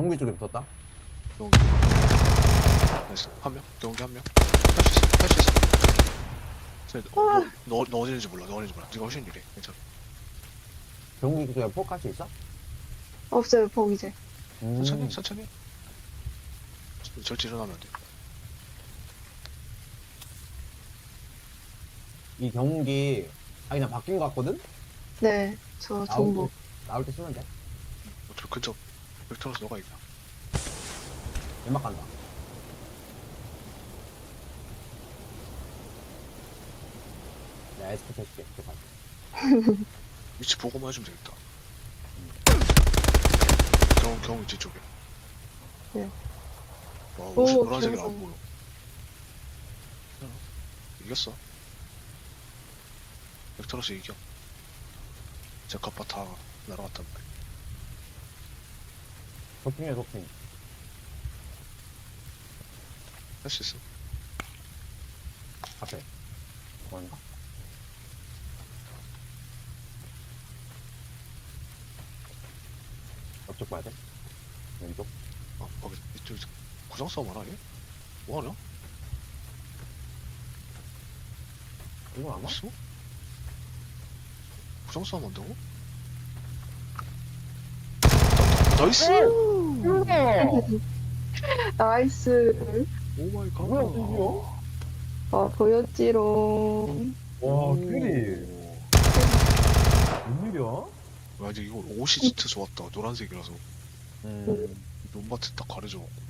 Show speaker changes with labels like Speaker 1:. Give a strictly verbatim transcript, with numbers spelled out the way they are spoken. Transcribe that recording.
Speaker 1: 경비 쪽에 붙었다.
Speaker 2: 경기. 나이스. 한 명. 경기 한 명. 할 수 있어. 할 수 있어. 쟤, 어, 너, 너, 너 어디는지 몰라. 너 어디는지 몰라. 네가 훨씬 유리해. 괜찮아.
Speaker 1: 경비 쪽에 포크할 수 있어?
Speaker 3: 없어요, 포 이제.
Speaker 1: 음.
Speaker 2: 천천히, 천천히. 절대 일어나면 안 돼.
Speaker 1: 이 경기 아 그냥 바뀐 것 같거든?
Speaker 3: 네, 저
Speaker 1: 나올
Speaker 3: 정보.
Speaker 1: 때, 나올 때 쓰면 돼.
Speaker 2: 어차피 근처 벡터로서 너가 이겨.
Speaker 1: 연막 간다. 내가 에스케 해줄게. 그
Speaker 2: 위치 보고만 해주면 되겠다. 경, 경 위치 쪽에.
Speaker 3: 네.
Speaker 2: 와,
Speaker 3: 오,
Speaker 2: 옷이 노란색이
Speaker 3: 기억나.
Speaker 2: 안 보여. 괜찮아. 이겼어. 벡터로스 이겨. 제 갑바 다 날아갔단 말이야.
Speaker 1: 도핑이야 도핑.
Speaker 2: 할 수 있어.
Speaker 1: 앞에. 뭔가? 옆쪽 봐야 돼? 왼쪽?
Speaker 2: 아, 거기, 이쪽, 구상 싸움 하나, 얘? 뭐하냐?
Speaker 1: 이건 아마?
Speaker 2: 있어? 구상 싸움 한다고? 나이스!
Speaker 3: 나이스.
Speaker 2: 오 마이 갓.
Speaker 1: 뭐야, 이거?
Speaker 3: 아, 보였지롱.
Speaker 1: 와,
Speaker 2: 오.
Speaker 1: 큐리. 웬일이야?
Speaker 2: 와, 이제 이거 옷이 진짜 좋았다. 노란색이라서.
Speaker 1: 음.
Speaker 2: 논밭에 딱 가려져.